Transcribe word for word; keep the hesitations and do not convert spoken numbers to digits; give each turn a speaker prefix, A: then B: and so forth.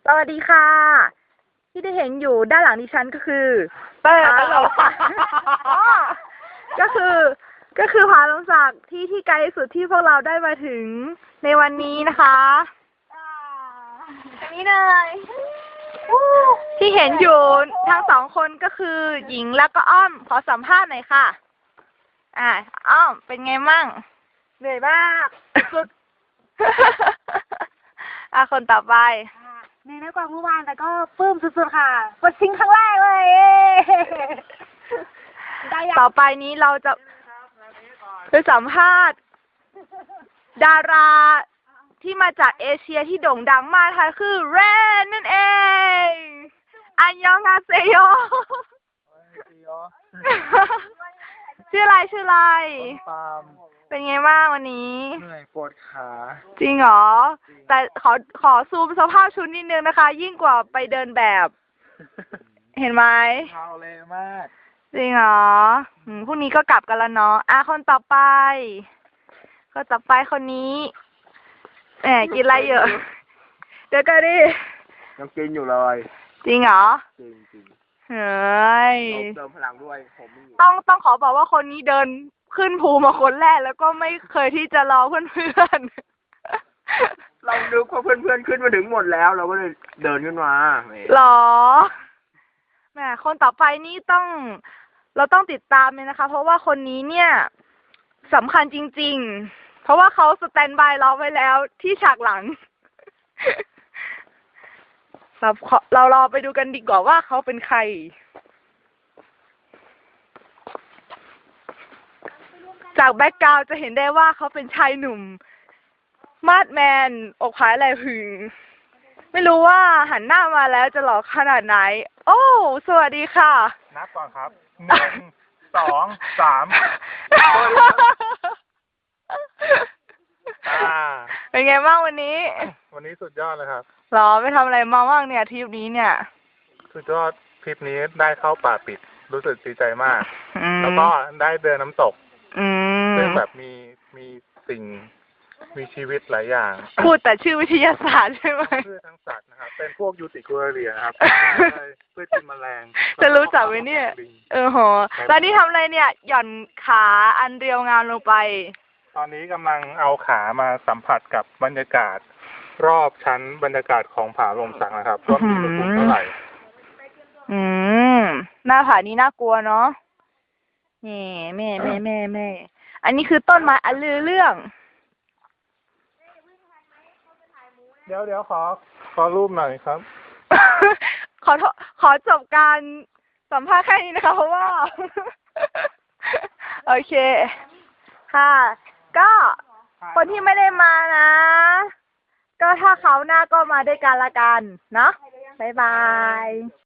A: สวัสดีค่ะที่ได้เห็นอยู่ด้านหลังดิฉันก็คือ
B: เต้
A: ผาลงศักดิ์ก็คือก็คือผาลงศักดิ์ที่ที่ไกลที่สุดที่พวกเราได้มาถึงในวันนี้นะคะอันนี้เลยที่เห็นอยู่ทั้งสองคนก็คือหญิงแล้วก็อ้อมขอสัมภาษณ์หน่อยค่ะอ่าอ้อมเป็นไงมั่งเหนื่อยมากสุดอ่ะคนต่อไป
C: ในนักกว่าเมื่อวานแต่ก็ปลื้มสุดๆค่ะกดชิงครั้งแรกเลย
A: ต่อไปนี้เราจะไปสัมภาษณ์ดาราที่มาจากเอเชียที่โด่งดังมากค่ะคือเรนนั่นเองอันยองฮาเซโยชื่ออะไรชื่ออะไรเป็นไงบ้างวันนี้
B: เหนื่อยปวดขา
A: จริงเหรอแต่ขอขอซูมสภาพชุดนิดนึงนะคะยิ่งกว่าไปเดินแบบเห็นไหม
B: เท้าเละมาก
A: จริงเหรออืมพรุ่งนี้ก็กลับกันแล้วเนาะอ่ะคนต่อไปคนต่อไปคนนี้แหมกินอะไรเยอะเดี๋ยวก็ดิ
B: ยังกินอยู่เลย
A: จริงเหรอ
B: จริงจริง
A: เฮ้ย
B: เติมพลังด้วยผม
A: ต้องต้องขอบอกว่าคนนี้เดินขึ้นภูมาคนแรกแล้วก็ไม่เคยที่จะรอเพื่อน
B: ๆเราดูว่าเพื่อนๆขึ้นมาถึงหมดแล้วเราก็เลยเดินขึ้นมา
A: หรอแหมคนต่อไปนี่ต้องเราต้องติดตามเลยนะคะเพราะว่าคนนี้เนี่ยสำคัญจริงๆเพราะว่าเขาสแตนบายเราไว้แล้วที่ฉากหลังเราเรารอไปดูกันดีกว่าว่าเขาเป็นใครจากแบ็กกราวด์จะเห็นได้ว่าเขาเป็นชายหนุ่มมาดแมนอกผายไหล่พึงไม่รู้ว่าหันหน้ามาแล้วจะหล่อขนาดไหนโอ้สวัสดีค่ะ
B: นับก่อนครับหนึ่งสองสาม
A: เป็นไงบ้างวันนี้
B: วันนี้สุดยอดเลยครับ
A: หรอไปทำอะไรมาบ้างเนี่ยทริปนี้เนี่ย
B: สุดยอดทริปนี้ได้เข้าป่าปิดรู้สึกดีใจมากแล้วก็ได้เดินน้ำตกซึ่งแบบมีมีสิ่งมีชีวิตหลายอย่าง
A: พูดแต่ชื่อวิทยาศาสตร์ใช่ไหม
B: พืชทั้งสัตว์นะครับเป็นพวกยูติคูเรียนะครับพืชกินแมลง
A: จะรู้จักไหมเนี่ยเออโหแล้วนี่ทำอะไรเนี่ยหย่อนขาอันเรียวงามลงไป
B: ตอนนี้กำลังเอาขามาสัมผัสกับบรรยากาศรอบชั้นบรรยากาศของผาลมสักนะครับว่ามีอุณหภูมิเท่าไหร่
A: อืมหน้าผานี้น่ากลัวเนาะนี่แม่แม่แม่แม่อันนี้คือต้นไม้อันลือเรื่อง
B: เดี๋ยวเดี๋ยวขอขอรูปหน่อยครับ
A: ขอขอจบการสัมภาษณ์แค่นี้นะคะเพราะว่าโอเคค่ะก็คนที่ไม่ได้มานะก็ถ้าเขาหน้าก็มาด้วยกันละกันเนาะบ๊ายบาย